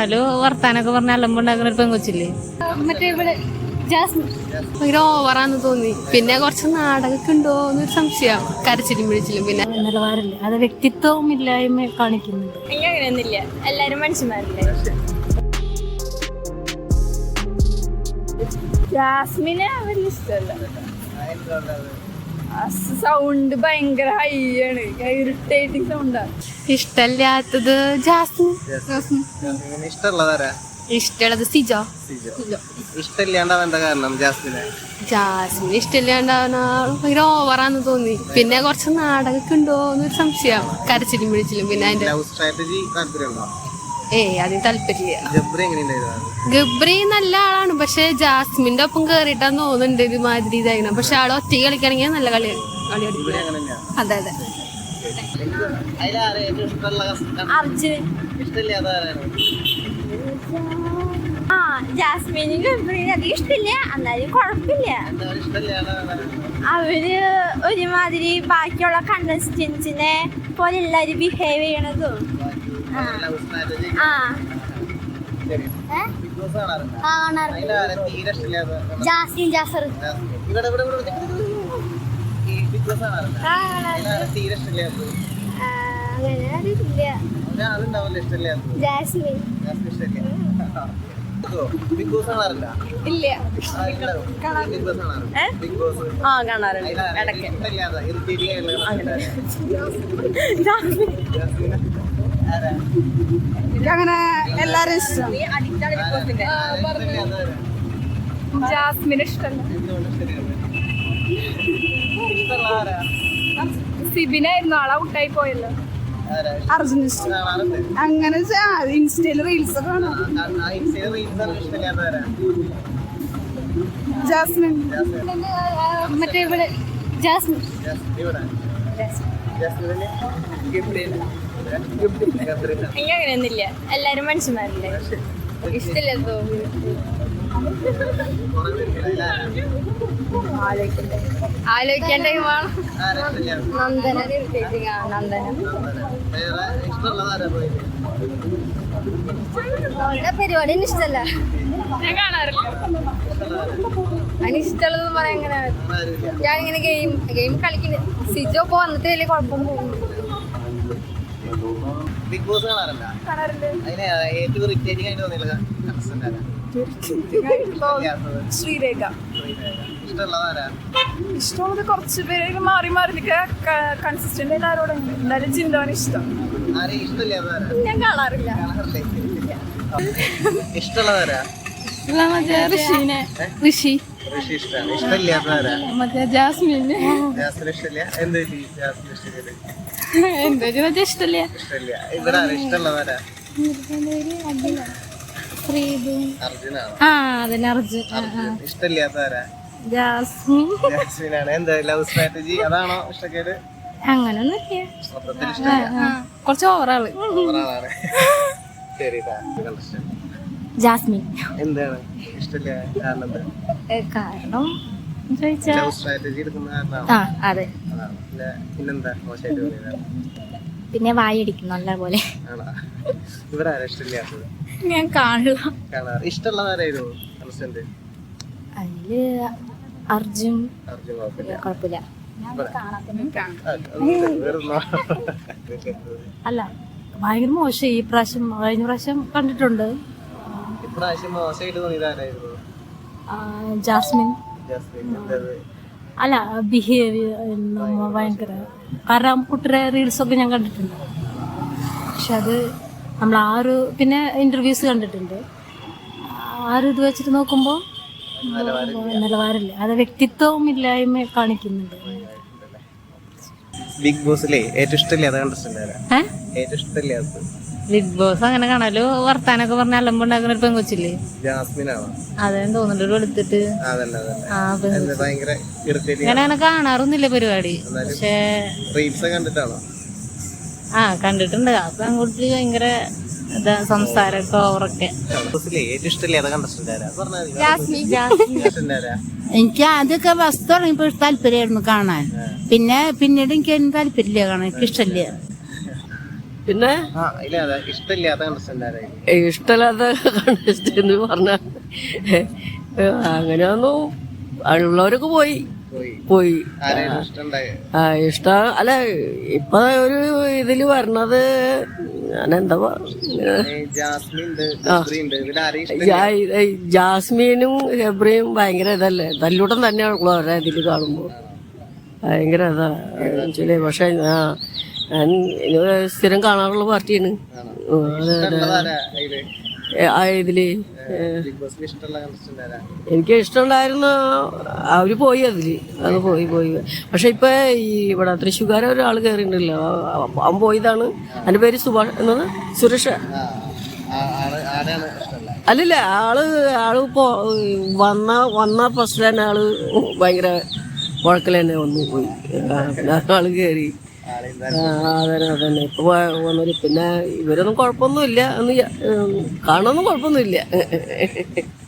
കാണല് വർത്താനൊക്കെ പറഞ്ഞ അലമ്പുണ്ടാക്കുന്ന ഒരു പെങ്കൊച്ചില്ലേ മറ്റേ ഇവിടെ ഭയങ്കര ഓവറാന്ന് തോന്നി. പിന്നെ കുറച്ച് നാടകമൊക്കെ ഉണ്ടോ എന്നൊരു സംശയം. കരച്ചിലും പിടിച്ചിലും പിന്നെ നിലവാരമില്ല, അത് വ്യക്തിത്വവും ഇല്ലായ്മ കാണിക്കുന്നുണ്ട്. അങ്ങനെയൊന്നുമില്ല, എല്ലാരും മനുഷ്യന്മാരല്ലേ. ജാസ്മിനെ വലിയ ഇഷ്ടമല്ല. സൗണ്ട് ഭയങ്കര ഹൈ ആണ്, ഇറിറ്റേറ്റിംഗ് സൗണ്ടാണ്. ഇഷ്ടല്ലാത്തത് ജാസ്മിൻ. ഇഷ്ടമുള്ളത് സിജോ. ഇഷ്ടമില്ലാണ്ടാവാൻ എന്താ കാരണം? ജാസ്മിൻ ഇഷ്ടമില്ലാണ്ടാവുന്ന ഭയങ്കര ഓവറാന്ന് തോന്നി. പിന്നെ കുറച്ച് നാടകമൊക്കെ ഉണ്ടോ എന്നൊരു സംശയം. കരച്ചിലും പിടിച്ചിലും പിന്നെ അതിന്റെ അതിന് താല്പര്യമില്ല. ഗബ്രി നല്ല ആളാണ്, പക്ഷെ ജാസ്മിന്റെ ഒപ്പം കേറിയിട്ടാന്ന് തോന്നുന്നുണ്ട് ഒരുമാതിരി ഇതായിരുന്നു. പക്ഷെ ആള് ഒറ്റ കളിക്കണമെങ്കിൽ നല്ല കളി അതെ അതെ. ജാസ്മിനും ഗബ്രിനും അധികം ഇഷ്ടമില്ല, എന്നാലും കുഴപ്പമില്ല. അവര് ഒരുമാതിരി ബാക്കിയുള്ള കണ്ടസ്റ്റൻസിനെ പോലെ എല്ലാരും ബിഹേവ് ചെയ്യണതും. ജാസ്മിൻ ജാഫർ ജാസ്മിൻ ഇല്ല കാണാറുണ്ട് ഇടയ്ക്ക്. അങ്ങനെ എല്ലാരും ഇഷ്ടം. ജാസ്മിന് ഇഷ്ടമല്ല. സിബിനായിരുന്നു ആളെ ഔട്ടായി പോയല്ലോ. അർജുന ഇഷ്ടം. അങ്ങനെ ഇൻസ്റ്റയില് റീൽസ് ഒക്കെ കാണാം. ജാസ്മിൻ മറ്റേ ഇവിടെ ജാസ്മിൻ അങ്ങനെയൊന്നുമില്ല, എല്ലാരും മനുഷ്യന്മാരല്ലേ. ഇഷ്ടമില്ല ആലോചിക്കേണ്ട നന്ദന. പരിപാടി ഇഷ്ടല്ല, ഞാൻ കാണാറില്ല. അതിനിഷ്ടമുള്ളതെന്ന് പറയാൻ എങ്ങനെ? ഞാനിങ്ങനെ ഗെയിം കളിക്കുന്നത്. സിജോ ഇപ്പൊ വന്നിട്ട് വലിയ കുഴപ്പമൊന്നും ബിഗ് ബോസ് കാണാറുണ്ട്. അതിനെ ഏറ്റവും ഇറിറ്റേറ്റിംഗ് ആയിട്ട് തോന്നിയുള്ള ശ്രീരേഖ. ഇഷ്ടമുള്ളതാരാ? ഇഷ്ടമുള്ളത് കുറച്ച് പേര് മാറി മാറി കൺസിസ്റ്റന്റ് ആയിട്ട് ആരോടും. എന്തായാലും ചിന്തമാണ് ഇഷ്ടം. ആരെയും ഇഷ്ടമില്ലാത്തതാരാ? ഞാൻ കാണാറില്ല. ഇഷ്ടമുള്ളതാരാ? ഋഷി. ഇഷ്ടമില്ലാത്തതാരാ? മറ്റേ ജാസ്മിൻ. ജാസ്മിൻ ഇഷ്ടമില്ല. എന്ത് ജാസ്മിൻ ഇഷ്ടമില്ല? എന്താ ഇഷ്ടല്ല. ഇഷ്ടമില്ല. ഇവിടെ ഇഷ്ടമുള്ളതാരാ? അർജുനാണ്. അതന്നെ അർജുൻ. ഇഷ്ടമില്ലാത്തതാരാ? ജാസ്മിൻ. ജാസ്മിനാണ്. എന്താ ലവ് സ്ട്രാറ്റജി അതാണോ ഇഷ്ടക്കേട്? അങ്ങനൊന്നുമില്ല, മൊത്തത്തിൽ ഇഷ്ടമില്ല. കുറച്ച് ഓവറാള്. ശരി. ജാസ്മിൻ. എന്താണ് ഇഷ്ടമില്ല കാരണം? കാരണം ലവ് സ്ട്രാറ്റജി എടുക്കുന്ന കാരണമാണോ? അതെ. പിന്നെന്താ മോശമായിട്ട് തോന്നിയതാണ്? പിന്നെ വായടിക്കും നല്ല പോലെ. ആണോ? ഇവിടെ ആരാ ഇഷ്ടമില്ലാത്തത്? ഞാൻ കാണില്ല. കാണാറ്. ഇഷ്ടമുള്ളതാരായിരുന്നു കൺസ്റ്റന്റ്? അതില് അർജുൻ. അർജുൻ കുഴപ്പമില്ല. അല്ല, ഭയങ്കര മോശം ഈ പ്രാവശ്യം. കഴിഞ്ഞ പ്രാവശ്യം കണ്ടിട്ടുണ്ട്. ഇപ്രാവശ്യം മോശമായിട്ട് തോന്നിയതാരായിരുന്നു? ജാസ്മിൻ. അല്ല, ബിഹേവിയർ ഭയങ്കര. കാരണം കുട്ടിയുടെ റീൽസൊക്കെ ഞാൻ കണ്ടിട്ടുണ്ട്. പക്ഷെ അത് നമ്മൾ പിന്നെ ഇന്റർവ്യൂസ് കണ്ടിട്ടുണ്ട്. ഇത് വെച്ചിട്ട് നോക്കുമ്പോൾ നിലവാരമില്ല, അത് വ്യക്തിത്വവും ഇല്ലായ്മ കാണിക്കുന്നുണ്ട്. ബിഗ് ബോസിലെ ഏറ്റവും ഇഷ്ടമില്ലാത്ത കണ്ടസ്റ്റന്റ്? ഏറ്റവും ഇഷ്ടമില്ലാത്തത് ബിഗ് ബോസ് അങ്ങനെ കാണല് വർത്താനൊക്കെ പറഞ്ഞ അലമ്പുണ്ടാക്കുന്ന ഒരു പെങ്കൊച്ചില്ലേ, ജാസ്മിനാണോ? അതെന്ന് തോന്നുന്നുണ്ട്. ഒരു എടുത്തിട്ട് അങ്ങനെ കാണാറൊന്നുമില്ല പരിപാടി. പക്ഷേ കണ്ടിട്ടാണോ? കണ്ടിട്ടുണ്ട്. ആ പെൺകുട്ടി ഭയങ്കര സംസാരമൊക്കെ ഓവറൊക്കെ. എനിക്ക് ആദ്യമൊക്കെ ബസ് തുടങ്ങിയപ്പോൾ താല്പര്യമായിരുന്നു കാണാൻ. പിന്നീട് എനിക്ക് അതിന് താല്പര്യമില്ല കാണാൻ. എനിക്ക് ഇഷ്ടമില്ല. പിന്നെ ആ ഇല്ല അതെ ഇഷ്ടമില്ലാത്ത കണ്ടസ്റ്റന്റ് ആരായി ഇഷ്ടമില്ലാത്ത കണ്ടസ്റ്റന്റ് പറഞ്ഞ അങ്ങനെയൊന്നും ഉള്ളവരൊക്കെ പോയി പോയി ആരെയും ഇഷ്ടമുണ്ടായി ഇഷ്ടം അല്ല ഇപ്പൊ ഒരു ഇതില് വരണത് ഞാനെന്താ ജാസ്മിൻ ഉണ്ട് ഗബ്രി ഉണ്ട് ഇതിൽ ആരെയും ഇഷ്ടമില്ല ജാസ്മീനും ഹെബ്രിയും ഭയങ്കര ഇതല്ലേ തല്ലൂട്ടം തന്നെയാണല്ലോ അവരെ ഇതില് കാണുമ്പോ ഭയങ്കര ഇതാ പക്ഷെ ഞാൻ സ്ഥിരം കാണാറുള്ള പാർട്ടിയാണ് ഇഷ്ടമുള്ളതാരാ അതില് ഇതില് ബിഗ് ബോസിൽ ഇഷ്ടമുള്ള കണ്ടസ്റ്റന്റ് ആരാ എനിക്ക് ഇഷ്ടമുണ്ടായിരുന്ന അവര് പോയി അതില് അത് പോയി പക്ഷെ ഇപ്പൊ ഈ ഇവിടെ തൃശ്ശൂർക്കാരെ ഒരാൾ കയറിയിട്ടുണ്ടല്ലോ അവൻ പോയതാണ്. അതിന്റെ പേര് സുരേഷ് ആരാണ് ഇഷ്ടമല്ല അല്ലല്ല ആള് വന്ന ഫസ്റ്റ് തന്നെ ആള് ഭയങ്കര കുഴക്കൽ തന്നെ വന്നു പോയി. ആള് കയറി അതന്നെ ഇപ്പൊ വന്നത്. പിന്നെ ഇവരൊന്നും കുഴപ്പമൊന്നുമില്ല, കാണാനൊന്നും കുഴപ്പമൊന്നുമില്ല.